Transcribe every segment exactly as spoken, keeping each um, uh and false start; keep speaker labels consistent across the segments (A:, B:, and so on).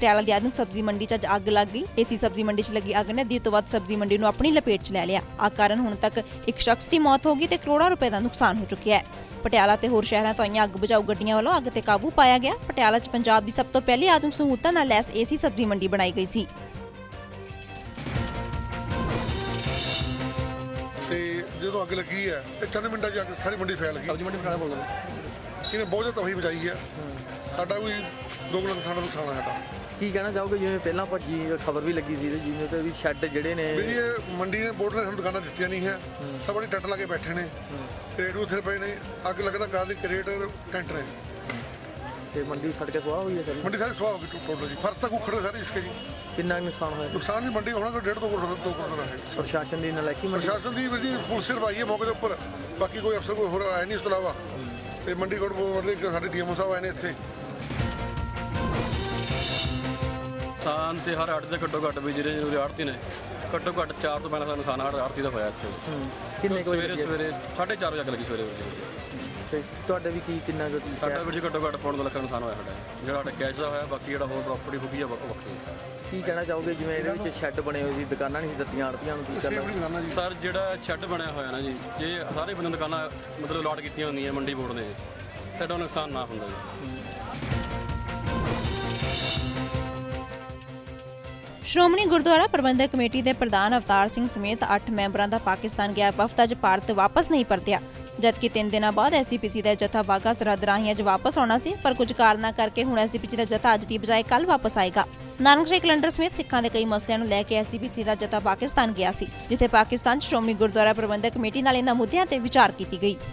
A: ਪਟਿਆਲਾ ਦੀ ਆਧੁਨਿਕ ਸਬਜ਼ੀ ਮੰਡੀ 'ਚ ਅੱਜ ਅੱਗ ਲੱਗ ਗਈ। ਇਸੀ ਸਬਜ਼ੀ ਮੰਡੀ 'ਚ ਲੱਗੀ ਅੱਗ ਨੇ ਅੱਧੀ ਤੋਂ ਵੱਧ ਸਬਜ਼ੀ ਮੰਡੀ ਨੂੰ ਆਪਣੀ ਲਪੇਟ 'ਚ ਲੈ ਲਿਆ। ਅੱਗ ਕਾਰਨ ਹੁਣ ਤੱਕ ਇੱਕ ਸ਼ਖਸ ਦੀ ਮੌਤ ਹੋ ਗਈ ਤੇ ਕਰੋੜਾਂ ਰੁਪਏ ਦਾ ਨੁਕਸਾਨ ਹੋ ਚੁੱਕਿਆ ਹੈ। ਪਟਿਆਲਾ ਤੇ ਹੋਰ ਸ਼ਹਿਰਾਂ ਤੋਂ ਆਈਆਂ ਅੱਗ ਬੁਝਾਊ ਗੱਡੀਆਂ ਵੱਲੋਂ ਅੱਗ ਤੇ ਕਾਬੂ ਪਾਇਆ ਗਿਆ। ਪਟਿਆਲਾ 'ਚ ਪੰਜਾਬ ਦੀ ਸਭ ਤੋਂ ਪਹਿਲੀ ਆਧੁਨਿਕ ਸਹੂਲਤਾਂ ਨਾਲ ਲੈਸ ਏਸੀ ਸਬਜ਼ੀ ਮੰਡੀ ਬਣਾਈ ਗਈ ਸੀ।
B: जो अग लगी है तो चंद मिनटा च सारी मंडी फैल गई। सब्जी मंडी पटाला बोल रहे इन्हें बहुत ज़्यादा तबाही बचाई है। साडा भी दो किलो किसान नुकसान है। साडा
C: की कहना चाहोगे जिवें पहला भज्जी खबर भी लगी थी जिवें तो भी शैड जिहड़े ने
B: भी ये मंडी ने बोर्ड ने सानूं दुकानां दित्तियां नहीं है। सब बड़ी टैंट ला के बैठे ने करेट उत्थे पए ने अग लगदा कार दी करेट टैंट ने
C: ते मंडी सड़ के सुहा हुई है। सर
B: मंडी सारी सुहा हो गई टोटल जी। फर्श तक उखड़ गए सारे इसके जी।
C: कितना नुकसान होया?
B: नुकसान जी मंडी होना कोई डेढ़ दो करोड़ दो करोड़ का है।
C: प्रशासन दी नलायकी
B: प्रशासन दी जी पुलिस सिर्फ आई है मौके के उपर। बाकी कोई अफसर कोई होर आया नहीं। इस तो इलावा ते मंडी कोर्ट मतलब साडे डी एम ओ साहब आए ने इत्थे।
D: नुकसान तो हर आड़ती का घट्टो घट्ट भी ਜਿਹੜੇ ਆੜਤੀ ਨੇ ਘੱਟੋ ਘੱਟ ਚਾਰ ਤੋਂ ਪਹਿਲਾਂ ਨੁਕਸਾਨ ਹਰ ਆੜਤੀ ਦਾ ਹੋਇਆ ਇੱਥੇ।
C: ਕਿੰਨੇ ਕੋਈ
D: ਸਵੇਰੇ ਸਵੇਰੇ ਸਾਢੇ ਚਾਰ ਵਜੇ ਅੱਗ ਲੱਗੀ ਸਵੇਰੇ ਵਜੇ।
C: ਤੇ ਤੁਹਾਡੇ ਵੀ ਕੀ ਕਿੰਨਾ ਕੁ
D: ਸਾਡਾ ਵੀ ਘੱਟੋ ਘੱਟ ਪੌਣ ਦੋ ਲੱਖ ਦਾ ਨੁਕਸਾਨ ਹੋਇਆ ਸਾਡਾ। ਜਿਹੜਾ ਸਾਡਾ ਕੈਸ਼ ਦਾ ਹੋਇਆ ਬਾਕੀ ਜਿਹੜਾ ਹੋਰ ਪ੍ਰਾਪਰਟੀ ਫੁੱਕੀ ਆ ਵੱਖਰੀ।
C: ਕੀ ਕਹਿਣਾ ਚਾਹੋਗੇ ਜਿਵੇਂ ਇਹਦੇ ਵਿੱਚ ਸ਼ੈੱਡ ਬਣੇ ਹੋਏ ਸੀ ਦੁਕਾਨਾਂ ਨਹੀਂ ਦਿੱਤੀਆਂ ਆੜਤੀਆਂ ਨੂੰ ਕੀ ਕਰਨਾ?
D: ਸਰ ਜਿਹੜਾ ਸ਼ੈੱਡ ਬਣਿਆ ਹੋਇਆ ਨਾ ਜੀ ਜੇ ਸਾਰੇ ਬੰਦੇ ਦੁਕਾਨਾਂ ਮਤਲਬ ਲਾਟ ਕੀਤੀਆਂ ਹੁੰਦੀਆਂ ਮੰਡੀ ਬੋਰਡ ਨੇ ਸਾਡਾ ਨੁਕਸਾਨ ਨਾ ਹੁੰਦਾ ਜੀ।
A: ਸ਼੍ਰੋਮਣੀ ਗੁਰਦੁਆਰਾ ਪ੍ਰਬੰਧਕ ਕਮੇਟੀ ਦੇ ਪ੍ਰਧਾਨ ਅਵਤਾਰ ਸਿੰਘ ਸਮੇਤ ਅੱਠ ਮੈਂਬਰਾਂ ਦਾ ਪਾਕਿਸਤਾਨ ਗਿਆ ਵਫਦ ਅੱਜ ਭਾਰਤ ਵਾਪਸ ਨਹੀਂ ਪਰਤਿਆ। ਜਦਕਿ ਤਿੰਨ ਦਿਨਾਂ ਬਾਅਦ ਐਸਜੀਪੀਸੀ ਦਾ ਜਥਾ ਵਾਘਾ ਸਰਹੱਦ ਰਾਹੀਂ ਅੱਜ ਵਾਪਸ ਆਉਣਾ ਸੀ, ਪਰ ਕੁਝ ਕਾਰਨਾਂ ਕਰਕੇ ਹੁਣ ਐਸਜੀਪੀਸੀ ਦਾ ਜਥਾ ਅੱਜ ਦੀ ਬਜਾਏ ਕੱਲ ਵਾਪਸ ਆਏਗਾ। ਨਾਨਕਸ਼ਾਹੀ ਕੈਲੰਡਰ ਸਮੇਤ ਸਿੱਖਾਂ ਦੇ ਕਈ ਮਸਲਿਆਂ ਨੂੰ ਲੈ ਕੇ ਐਸਜੀਪੀਸੀ ਦਾ ਜਥਾ ਪਾਕਿਸਤਾਨ ਗਿਆ ਸੀ, ਜਿੱਥੇ ਪਾਕਿਸਤਾਨ ਸ਼੍ਰੋਮਣੀ ਗੁਰਦੁਆਰਾ ਪ੍ਰਬੰਧਕ ਕਮੇਟੀ ਨਾਲ ਇਹਨਾਂ ਮੁੱਦਿਆਂ ਤੇ ਵਿਚਾਰ ਕੀਤੀ ਗਈ।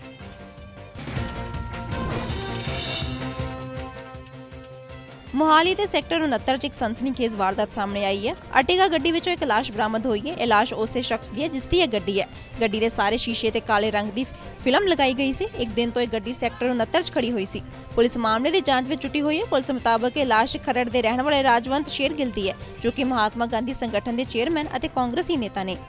A: ਮੋਹਾਲੀ ਦੇ ਸੈਕਟਰ ਉਨੱਤਰ 'ਚ ਇੱਕ ਸਨਸਨੀਖੇਜ਼ ਵਾਰਦਾਤ ਸਾਹਮਣੇ ਆਈ ਹੈ। ਅਰਟਿਗਾ ਗੱਡੀ ਵਿੱਚੋਂ ਇੱਕ ਲਾਸ਼ ਬਰਾਮਦ ਹੋਈ ਹੈ। ਇਹ ਲਾਸ਼ ਉਸੇ ਸ਼ਖਸ ਦੀ ਹੈ ਜਿਸ ਦੀ ਇਹ ਗੱਡੀ ਹੈ। ਗੱਡੀ ਦੇ ਸਾਰੇ ਸ਼ੀਸ਼ੇ ਤੇ ਕਾਲੇ ਰੰਗ ਦੀ ਫਿਲਮ ਲਗਾਈ ਗਈ ਸੀ। ਇੱਕ ਦਿਨ ਤੋਂ ਇਹ ਗੱਡੀ ਸੈਕਟਰ ਉਨੱਤਰ 'ਚ ਖੜੀ ਹੋਈ ਸੀ। ਪੁਲਿਸ ਮਾਮਲੇ ਦੀ ਜਾਂਚ ਵਿੱਚ ਜੁਟੀ ਹੋਈ ਹੈ। ਪੁਲਿਸ ਮੁਤਾਬਕ ਇਹ ਲਾਸ਼ ਖਰੜ ਦੇ ਰਹਿਣ ਵਾਲੇ ਰਾਜਵੰਤ ਸ਼ੇਰਗਿੱਲ ਦੀ ਹੈ, ਜੋ ਕਿ ਮਹਾਤਮਾ ਗਾਂਧੀ ਸੰਗਠਨ ਦੇ ਚੇਅਰਮੈਨ ਅਤੇ ਕਾਂਗਰਸੀ ਨੇਤਾ ਨੇ।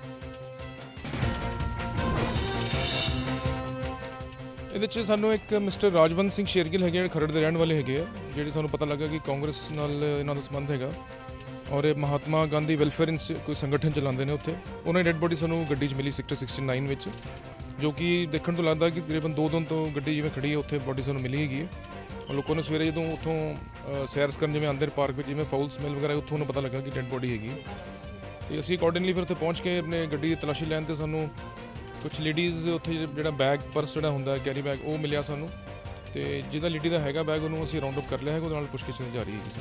E: ਇਹਦੇ 'ਚ ਸਾਨੂੰ ਇੱਕ ਮਿਸਟਰ ਰਾਜਵੰਤ ਸਿੰਘ ਸ਼ੇਰਗਿੱਲ ਹੈਗੇ ਜਿਹੜੇ ਖਰੜ ਦੇ ਰਹਿਣ ਵਾਲੇ ਹੈਗੇ ਆ, ਜਿਹੜੇ ਸਾਨੂੰ ਪਤਾ ਲੱਗਾ ਕਿ ਕਾਂਗਰਸ ਨਾਲ ਇਹਨਾਂ ਦਾ ਸੰਬੰਧ ਹੈਗਾ ਔਰ ਇਹ ਮਹਾਤਮਾ ਗਾਂਧੀ ਵੈਲਫੇਅਰ ਇੰਸ ਕੋਈ ਸੰਗਠਨ ਚਲਾਉਂਦੇ ਨੇ ਉੱਥੇ। ਉਹਨਾਂ ਦੀ ਡੈਡ ਬੋਡੀ ਸਾਨੂੰ ਗੱਡੀ 'ਚ ਮਿਲੀ ਸੈਕਟਰ ਸਿਕਸਟੀ ਨਾਈਨ ਵਿੱਚ, ਜੋ ਕਿ ਦੇਖਣ ਤੋਂ ਲੱਗਦਾ ਕਿ ਤਕਰੀਬਨ ਦੋ ਦਿਨ ਤੋਂ ਗੱਡੀ ਜਿਵੇਂ ਖੜੀ ਹੈ ਉੱਥੇ ਬੋਡੀ ਸਾਨੂੰ ਮਿਲੀ ਹੈਗੀ ਹੈ। ਲੋਕਾਂ ਨੇ ਸਵੇਰੇ ਜਦੋਂ ਉੱਥੋਂ ਸੈਰ ਕਰਨ ਜਿਵੇਂ ਆਂਦੇ ਪਾਰਕ ਵਿੱਚ ਜਿਵੇਂ ਫਾਊਲ ਸਮੈਲ ਵਗੈਰਾ ਉੱਥੋਂ ਨੂੰ ਪਤਾ ਲੱਗਾ ਕਿ ਡੈਡ ਬੋਡੀ ਹੈਗੀ। ਅਤੇ ਅਸੀਂ ਅਕੋਰਡਿੰਗਲੀ ਫਿਰ ਉੱਥੇ ਪਹੁੰਚ ਕੇ ਆਪਣੇ ਗੱਡੀ ਦੀ ਤਲਾਸ਼ੀ ਲੈਣ 'ਤੇ ਸਾਨੂੰ ਕੁਛ ਲੇਡੀਜ਼ ਉੱਥੇ ਜਿਹੜਾ ਬੈਗ ਪਰਸ ਜਿਹੜਾ ਹੁੰਦਾ ਕੈਰੀ ਬੈਗ ਉਹ ਮਿਲਿਆ ਸਾਨੂੰ, ਅਤੇ ਜਿਹਦਾ ਲੇਡੀ ਦਾ ਹੈਗਾ ਬੈਗ ਉਹਨੂੰ ਅਸੀਂ ਰਾਊਂਡ ਅਪ ਕਰ ਲਿਆ ਹੈਗਾ। ਉਹਦੇ ਨਾਲ ਪੁੱਛਗਿੱਛ ਕੀਤੀ ਜਾ ਰਹੀ ਹੈਗੀ।